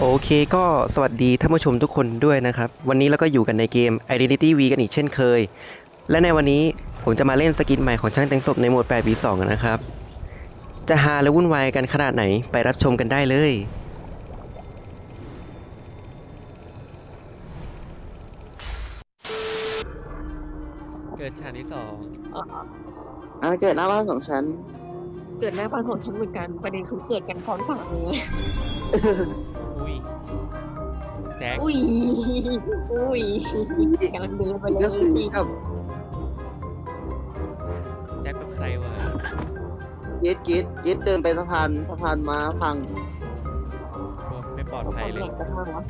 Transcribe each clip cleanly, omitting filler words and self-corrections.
โอเคก็สวัสดีท่านผู้ชมทุกคนด้วยนะครับวันนี้เราก็อยู่กันในเกม Identity V กันอีกเช่นเคยและในวันนี้ผมจะมาเล่นสกินใหม่ของช่างแต่งศพในโหมด 8v2 นะครับจะฮาและวุ่นวายกันขนาดไหนไปรับชมกันได้เลยเกิดชั้นที่สองเกิดหน้าบ้านสองชั้นเกิดหน้าบ้านของฉันเหมือนกันประเด็นคือเกิดกันพร้อมกันเลยอุ้ยแจ็คอุ้ยอุ้ยกำลังเดินไปเลยก็ซื้อกับแจ็คกับใครวะเกตเดินไปสะพานม้าพังโอ้ไม่ปลอดภัยเลยกันมากวะ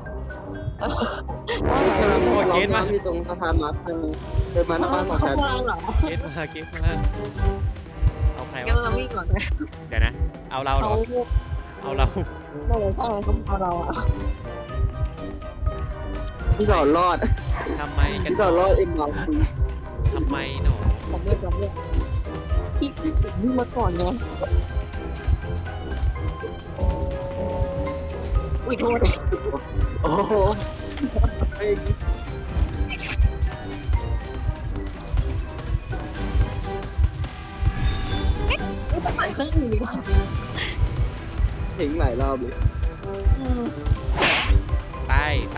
เกตมาอยู่ตรงสะพานม้าพังเดินมาหน้าบ้านสองชั้นเขาวางเหรอเกตมาเอาใครงั้นวะเราวิ่งก่อนนะเดี๋ยวนะเอาเราเหรเขาอเอาเราไม่เลยใช่เขาเอาเราอ่ะพี่สอนรอดทำไมกันพี่สอนรอดเอ็มเราคุยทำไมหนอผมเรียกผมเรียกพี่วิ่งมาก่อนไงอุ้ยโทษโอ้โหเฮ้ยไม่ต้องไปเครื่องอื่นดีกว่าถึงหลายรอบเลยไป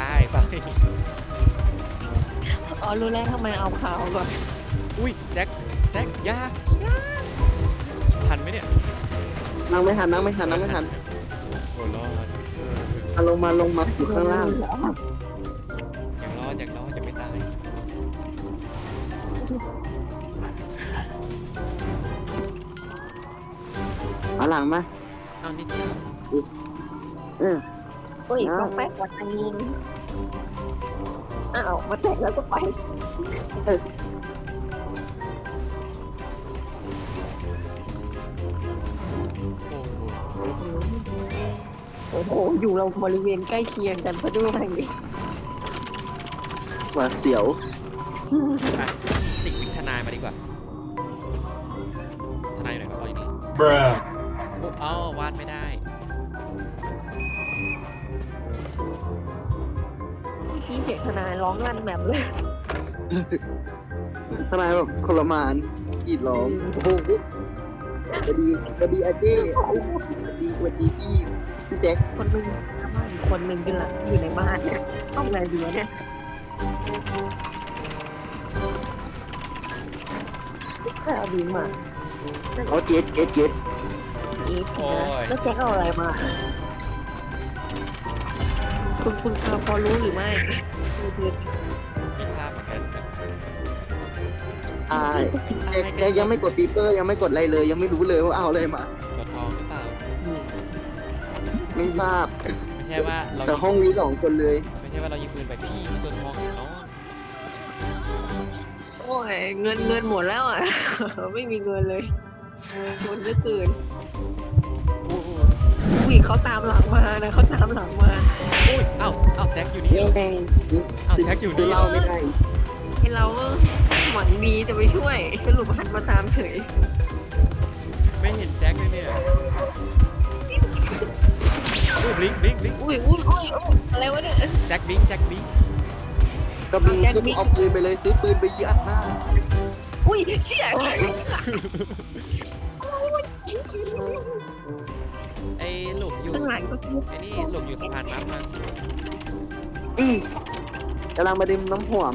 อ๋อรู้แล้วทำไมเอาขาวก่อนอุ้ยแจ็คยาทันไหมเนี่ยนั่งไม่ทันโอ้รอดลงมาอยู่ข้างล่างยังรอดจะไม่ตายเอาหลังมาเอานิดเดียวเออโอ้ยต้องแป๊กวันนี้อ้าวมาแตะแล้วก็ไปโอ้โหโอ้โห อยู่เราบริเวณใกล้เคียงกันพอดูอะไรนี่หวาดเสียวอ่ะสิ่งวิทนายมาดีกว่าทนายอยู่ไหนก็พออยู่นี่โอ้เอ้าวาดไม่ได้พี่เสียงทนายร้องลั่นแบบเลยทนายแบบทรมานกรีดร้องโอ้โหสวัสดีอาเจ้สวัสดีพี่แจ็คคนหนึงหน้าบ้านอีกคนหนึงอยู่หลังอยู่ในบ้านเนี่ยต้องอะไรดีวะเนี่ยแต่เอาดีมาเขาเกตอีฟนะแล้วแจ็คเอาอะไรมา คุณพอรู้หรือไม่คือไม่ทราบเหมือนกันครับแจ็คยังไม่กดปีเปอร์ยังไม่กดอะไรเลย ยังไม่รู้เลยว่าเอาอะไรมาตัวทองหรือเปล่าไม่ทราบไม่ใช่ว่าเราแต่ห้องนี้2 คนเลยไม่ใช่ว่าเรายิงปืนไปพี่ตัวทองเนาะโอ้ยเงินหมดแล้วอ่ะ ไม่มีเงินเลยเงินเยอะเกินโอ้โหอุ้ยเขาตามหลังมานะเขาตามหลังมาอุ้ยเอ้าแจ็คอยู่นี่แม่งอ้าวแจ็คอยู่นี่ซื้อเหล้าไม่ได้ไอเราก็หวังดีจะไปช่วยสรุปหันมาตามเฉยไม่เห็นแจ็คเลยเนี่ยโอ้บลิงอุ้ยอะไรวะเนี่ยแจ็คบิงก็บินซื้อเอาปืนไปเลยซื้อปืนไปยิงอัดหน้าอุ้ยเชี่ยไอ้หลบอยู่ข้างหลังก็ไอ้นี่หลบอยู่สะพานม้าพังกำลังมาดื่มน้ำหอม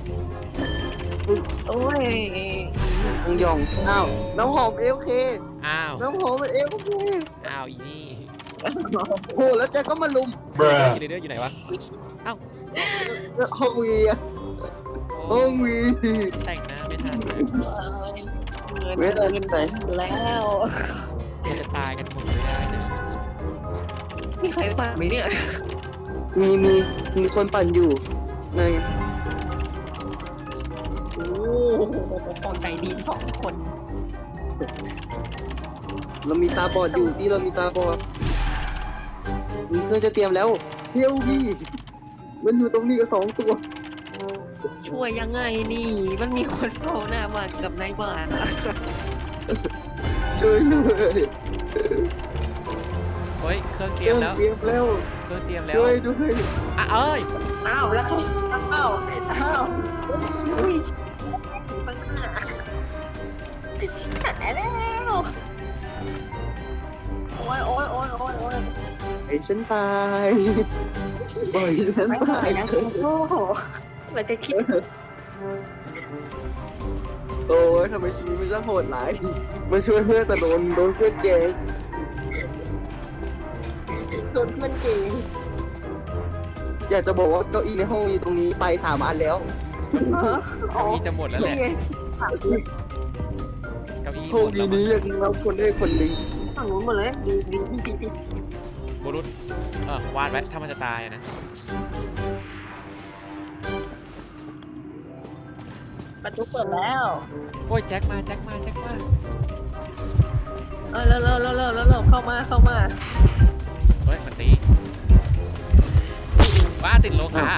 โอ้ยองยองอ้าวน้ำหอมเอลเคอ้าวน้ำหอมมันเอลเคอีนี่โหแล้วแจ็คก็มาลุมคิดเดอร์อยู่ไหนวะห้องวีอะโอ้ห้องวีแต่งหน้าไม่ทันเงินแล้วจะตายกันหมดไม่ได้นะมีใครตามไหมเนี่ยมีคนปั่นอยู่ไงโอ้โหคนใจดี2 คนเรามีตาบอดอยู่ที่เรามีตาบอดมีเครื่องจะเตรียมแล้วเที่ยวพี่มันอยู่ตรงนี้กับ2 ตัวช่วยยังไงนี่ มันมีคนเฝ้าหน้าบ้านกับนายบ้านอะช่วยเลยคนฮ้ยเครื่องเตเครียรื่มองแล้วเตรียมแล้วเครื่องเตรียมแล้วด้วยด้วยอ่ะเอ้ยอ้าวแล้วอ้าวอุ้ยข้างหน้าชิบหายแล้วโอ้ยโอ้ยโอ้ยโอ้ยโอ้ยไอ้ฉันตายบ่อยฉันไม่ไหวตายนะโอ้โหมันจะคิดโอ้ยทำไมชีวิตมันช่างโหดร้ายมาช่วยเพื่อนแต่โดนเพื่อนแกงโดนเพื่อนเก่งอยากจะบอกว่าเก้าอี้ในห้องมีตรงนี้ไป3 อันแล้วเก้าอี้จะหมดแล้วแหละนี่ไงเก้าอี้โชหมคดดีแล้วนี้ยังรับคนได้คนหนึ่งฝั่งนู้นหมดเลยดีดีดีบุรุษวาดไว้ถ้ามันจะตายอะนะประตูเปิดแล้วโอ้ยแจ็คมาแจ็คมาแจ็คมาเร็วเร็วเร็วเร็วเร็วเข้ามาเข้ามาเฮ้ยมันตีว้าติดโลหะ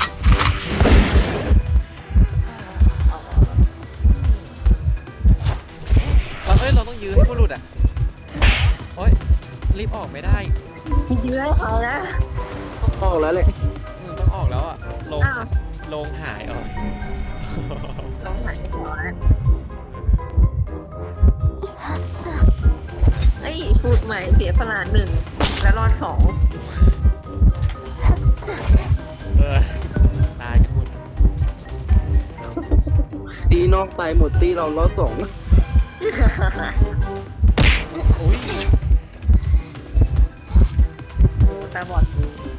เฮ้ยเราต้องยื้อให้บุรุษอ่ะโอ้ยรีบออกไม่ได้ยื้อให้เขานะออกแล้วแหละต้องออกแล้วอ่ะลงอ้าวลงหายออกลองใส่ก่อนไอ้ฟูดใหม่เสียพลาน1และรอด2 ตายกันหมดตีนอกตายหมดตีเราล้อ2 อุ้ยตาบอด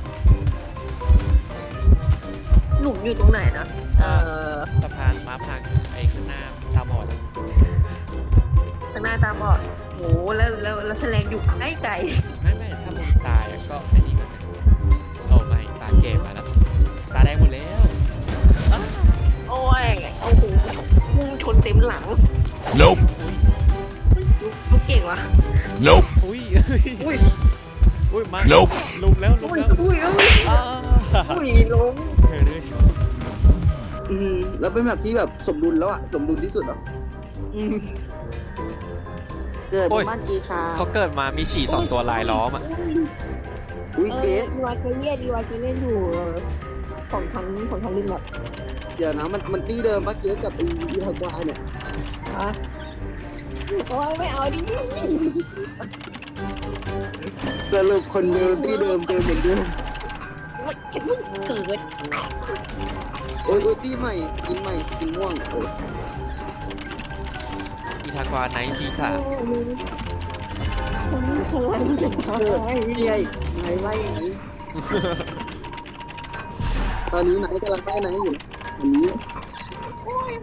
หลุมอยู่ตรงไหนนะสะพานม้าพังไอ้ข้างหน้าตาบอดข้างหน้าตาบอดโหแล้วแฉลงอยู่ใกล้ไกลไม่ถ้ามึงตายอะก็ไอ้นี่กันนะโอ้ไม่ตาเกมมาแล้วตาแดงหมดแล้วอ้าวโอ้ยโอ้โหพุ่งชนเต็มหลัง Nope. ลูกเก่งวะ Nope. อุ้ยอุ้ยอุ้ยมา Nope. ลุมแล้วอุ้ยอุ้ยอุ้ยอ้าอุ้ยล้มเธอเลือดแล้วเป็นแบบที่แบบสมดุลแล้วอะสมดุลที่สุดแล้วอืมเกิดในบ้านกีชาเขาเกิดมามีฉี่2 ตัวลายล้อมอ่ะอุ้ยเกสดีวายเคยเล่นอยู่ของชั้นริมแบบเดี๋ยวนะมันตีเดิมปะเกสกับอีฮากวายเนี่ยอ่ะโอ้ยไม่เอาดิสรุปคนเดิมที่เดิมเจอเหมือนเดิมโอ้ยฉันเพิ่งเกิดโอ้ยตีใหม่สกินใหม่สกินม่วงโอ้ยอีทากวาไนท์ทีสามฉันกำลังจะตายนี่ไงไงไล่ไงตอนนี้ไหนกำลังไล่ไหนอยู่อันนี้โอ้ย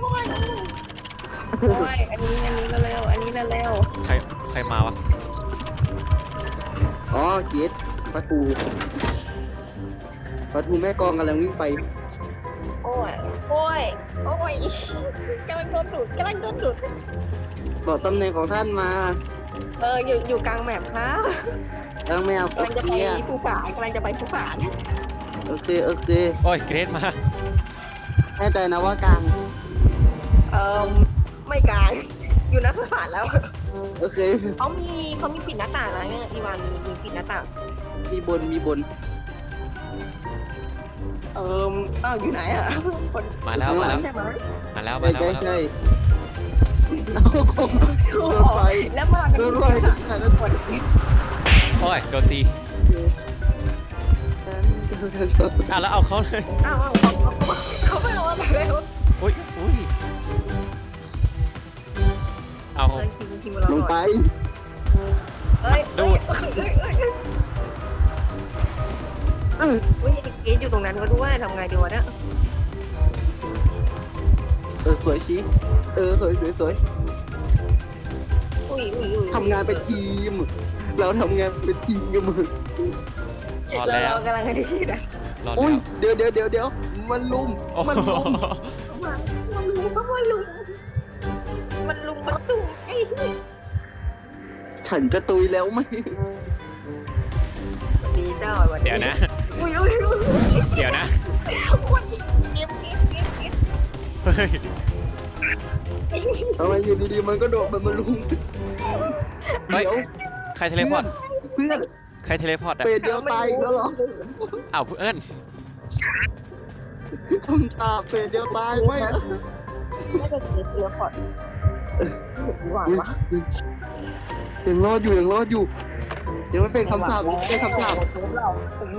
อันนี้เร็วอันนี้เร็วใครมาวะอ๋อเกสประตูแม่กองกำลังวิ่งไปโอ้ยกำลังโดนดูดบอกตำแหน่งของท่านมาอยู่กลางแมปครับยังไม่เอากำลังจะไปภูฝานโอเคโอ้ยเกรดมาแน่ใจนะว่ากลางไม่กลางอยู่นะภูฝานแล้วโอเคเขามีปิดหน้าต่างนะเนี่ยอีวานมีปิดหน้าต่างมีบนอยู่ไหนอ่ะคนมาแล้วใช่ไหมใช่เอาโดนไฟแล้วมากันโดนไฟทุกคนโอ้ยโดนตีแล้วเอาเขาเลยอ้าวเขาไม่เอาอะไรเลยอุ้ยเอาทีมลงไปเอ้ยเกอยู่ตรงนั้นก็ด้วยทำไงดีวะเนี่ยสวยชี้สวยอุ้ยทำงานเป็นทีม เราทำงานเป็นทีมกับมึงรอดแล้วเรากำลังกันดีนะรอดอุ้แล้ยว เดี๋ยวมันลุมโอ้โหมันลุมไอ้ฉันจะตุยแล้วไหมดีเจ้าวันเดี๋ยวนะอุ้ยเดี๋ยวนะเก็บเฮ้ยทำไมอยู่ดีๆมันก็โดดมันมาลุมเฮ้ยเดี๋ยวใครเทเลพอร์ตเพื่อนใครเทเลพอร์ตอะเฟสเดียวตายอีกแล้วเหรออ้าวเพื่อนคำถามเฟสเดียวตายไหมนะน่าจะเสียเสียพอดหวานวะยังรอดอยู่ยังรอดอยู่ยังไม่เป็นคำถามเป็นคำถามเรา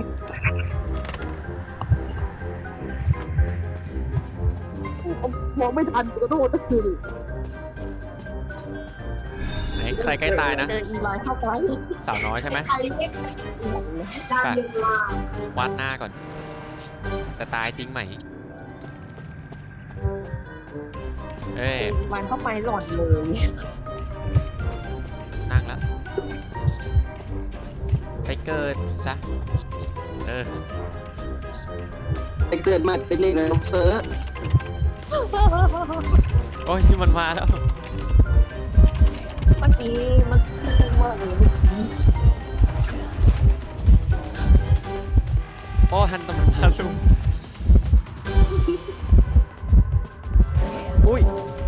มองไม่ทันกระโดดก็คือไหนใครใกล้ตายนะเดินอีไลน์เข้าไปสาวน้อยใช่ไหมใครเล็กดาวเย็นมาวัดหน้าก่อน จะตายจริงไหม เอ้ยมันเข้าไปหล่อนเลยนั่งแล้ว ไปเกิดซะไปเกิดมาเป็นเด็กในเซิร์ฟโอ้ยมันมาแล้วเมื่อกี้มันพูดว่าเมื่อกี้โอ้ฮันตมันมาลุมอุ้ย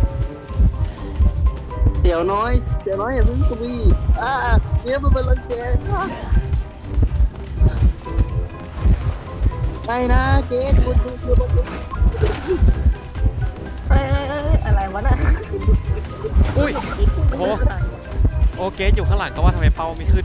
เดี๋ยวน้อยอย่าเพิ่งคุยเนี่ยมันเป็นรังแกไม่นะเจ๊คุณอะไรวะน่ะอุ้ย โอ้โห โอเคอยู่ข้างหลังก็ว่าทำไมเป้าไม่ขึ้น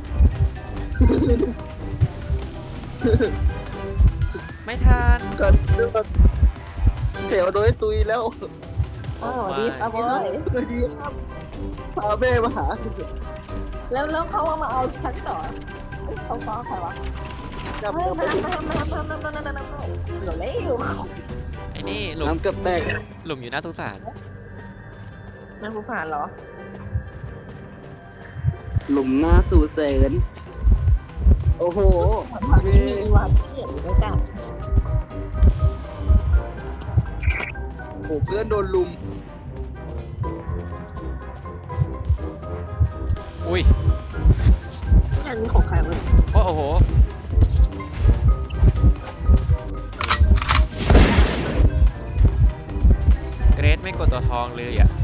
ไม่ทันก่อนเรื่องเสียวโดยตุยแล้วอ๋อดีครับบอยดีครับพาแม่มาหาแล้วเขามาเอาฉันต่อเขาฟ้องใครวะจับเฮ้ยกับเหลือเร็วไอ้นี่หลุมน้ำกับแตกหลุมอยู่น่าสงสารนั่นผู้ผ่านเหรอหลุมหน้าสู่แสนโอ้โหมีวันที่เหลืออยู่ด้วยกันโอ้เพื่อนโดนลุมอุ้ยอันนี้ของใครวะโอ้โห เกรดไม่กดตัวทองเลยอ่ะ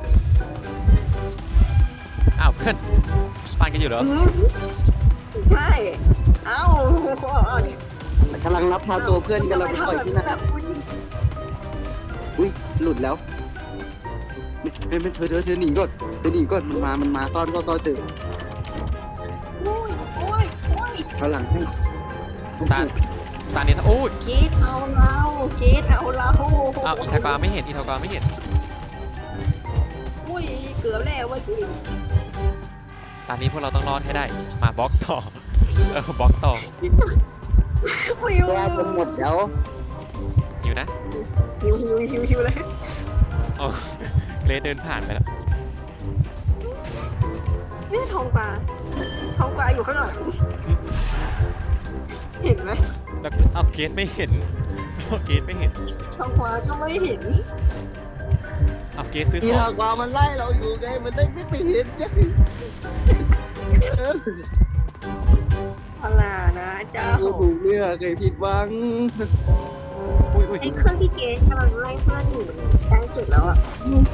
อ้าวเพื่อนปั่นกันอยู่เหรอใช่ เอ้ากำลังรับพาตัวเพื่อนกันเราไปปล่อยที่ไหนอุ้ยหลุดแล้วไม่เธอหนีก่อนมันมาซ่อนก็ซ่อนเจอโอ้ยเขาหลังให้ตานี้โอ้ยคิดเอาเราอ้าวอีทากาไม่เห็นอุ้ย เกือบแล้วว่าที่ตอนนี้พวกเราต้องรอดให้ได้ มาบล็อกต่อ บล็อกต่อวิวแก้จนหมดแล้วอยู่นะหิวเลยอ๋อเกรดเดินผ่านไปแล้วนี่ทองปลาอยู่ข้างหลังเห็นไหมแล้วเอาเกรดไม่เห็นเอาเกรดไม่เห็นทองปลาก็ไม่เห็นเอาเกรดซื้ออีของหากว่ามันไล่เราอยู่ไงมันได้ไม่ไปเห็นจ้ะอะไรนะเจ้ากูถูกเลือกเคยผิดหวังอุ้ยไอ้เครื่องที่เกสกำลังไล่เพื่อนอยู่ใกล้สุดแล้วอ่ะ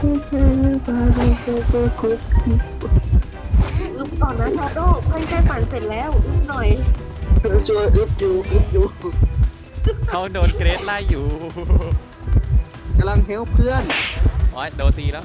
อึบก่อนนะชาโดเพื่อนใกล้ปั่นเสร็จแล้วอึบหน่อยช่วยอึบอยู่เขาโดนเกรดไล่อยู่กำลังเฮลเพื่อนอ๋อโดนตีแล้ว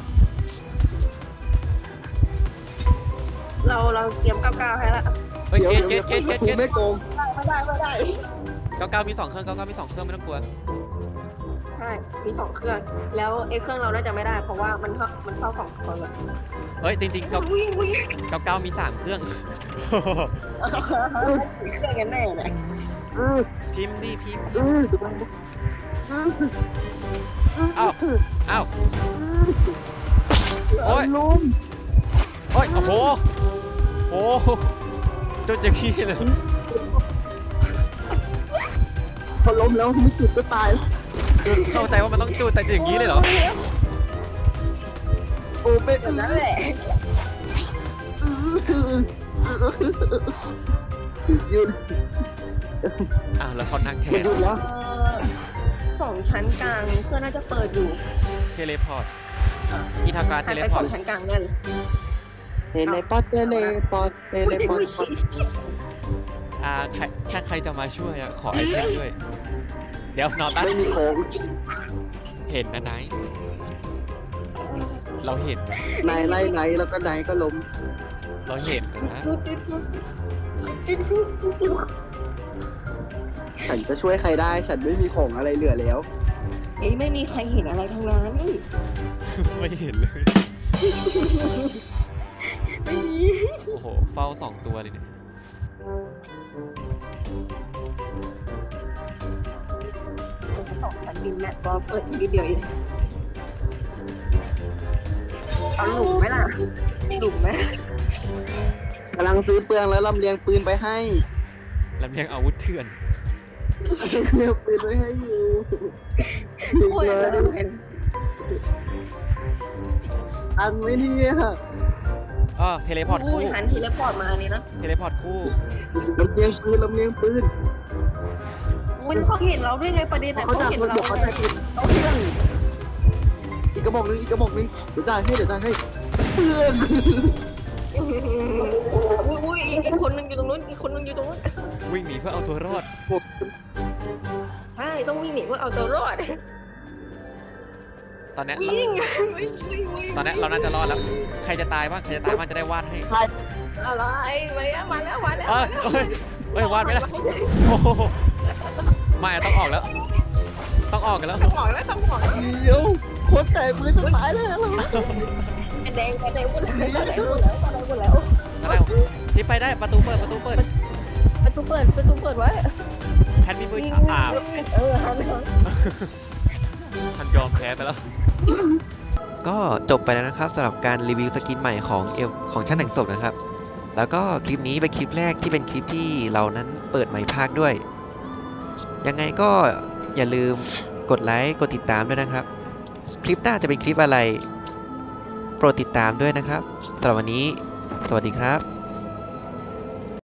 เราเตรียม99ให้ละเฮ้ยเดี๋ยวเกรดกูไม่โกงไม่ได้ 99มี2เครื่อง99มี2เครื่องไม่ต้องกลัวใช่มี2เครื่องแล้วไอ้เครื่องเราน่าจะไม่ได้เพราะว่ามันเข้า2คนเลยเฮ้ยจริงๆวิ่ง 99มี3เครื่องเครื่องกันแน่เลยพิมพ์อ้าวโอ้ยลุมโอ้ยโอ้โหจุดอย่างนี้เลยพอล้มแล้วไม่จุดก็ตายเข้าใจว่ามันต้องจุดแต่อย่างนี้เลยเหรอโอ้เป็นแบบนั้นแหละหยุดอ้าวแล้วเขานั่งแทมันนหยุดแล้ว 2 ชั้นกลางเครื่องน่าจะเปิดอยู่เทเลพอร์ตอีทากาเทหันเลไปพอร์ต 2 ชั้นกลางนั่นเทเลพอร์ตเทเลพอร์ตเทเลพอร์ตใครถ้าใครจะมาช่วยอะขอไอเทมด้วย เดี๋ยวนอตันไม่มีโค้งเห็นนะไนท์เราเห็นนะนายไล่ไนท์แล้วก็ไนท์ก็ล้มเราเห็นนะฉันจะช่วยใครได้ ฉันไม่มีของอะไรเหลือแล้วเอ้ยไม่มีใครเห็นอะไรทั้งนั้นไม่เห็นเลยไม่มีโอ้โห เฝ้า2 ตัวเลยเนี่ยฉันบินแมทก็เปิดทีเดียวเองเอาหลุมไหมล่ะหลุมไหมกำลังซื้อเปลืองแล้วลำเลียงปืนไปให้ลำเลียงอาวุธเถื่อนเลียงปืนไปให้อยู่โคตรเลยอันไม่เนี่ยเทเลพอร์ตคู่หันทีแล้วพอร์ตมานี่นะเทเลพอร์ตคู่ลำเลียงปืนลำเลียงปืนมันเขาเห็นเราด้วยไงประเด็นแต่เขาเขาจะเห็นเขาเราจะเขาจะเอาเพื่อนอีกกระบอกนึงอีกกระบอกนึงเดี๋ยวจ่ายให้เดี๋ยวจ่ายให้เพื่อนอุ้ยอีกคนนึงอยู่ตรงนู้นอีกคนนึงอยู่ตรงนู้นวิ่งหนีเพื่อเอาตัวรอดใช่ต้องวิ่งหนีเพื่อเอาตัวรอดตอนเนี้ยวิ่งไม่ใช่วิ่งตอนเนี้ยเราน่าจะรอดแล้ว ใครจะตายบ้าง ใครจะตายบ้างจะได้วาดให้อะไรมาแล้วเอ้ยวาดไม่ได้โอ้โหไม่ต้องออกแล้ว ต้องออกกันแล้วต้องบอกแล้วเดี๋ยวโคตรใจปืนจะตายแล้วแดงหมดแล้วอะไรที่ไปได้ประตูเปิดประตูเปิดไว้แพนมีมืออาบหันมันยอมแพ้ไปแล้วก็จบไปแล้วนะครับสำหรับการรีวิวสกินใหม่ของช่างแต่งศพนะครับ แล้วก็คลิปนี้เป็นคลิปแรกที่เป็นคลิปที่เรานั้นเปิดใหม่ภาคด้วย ยังไงก็อย่าลืมกดไลค์กดติดตามด้วยนะครับ คลิปหน้าจะเป็นคลิปอะไร โปรดติดตามด้วยนะครับสำหรับวันนี้สวัสดีครับ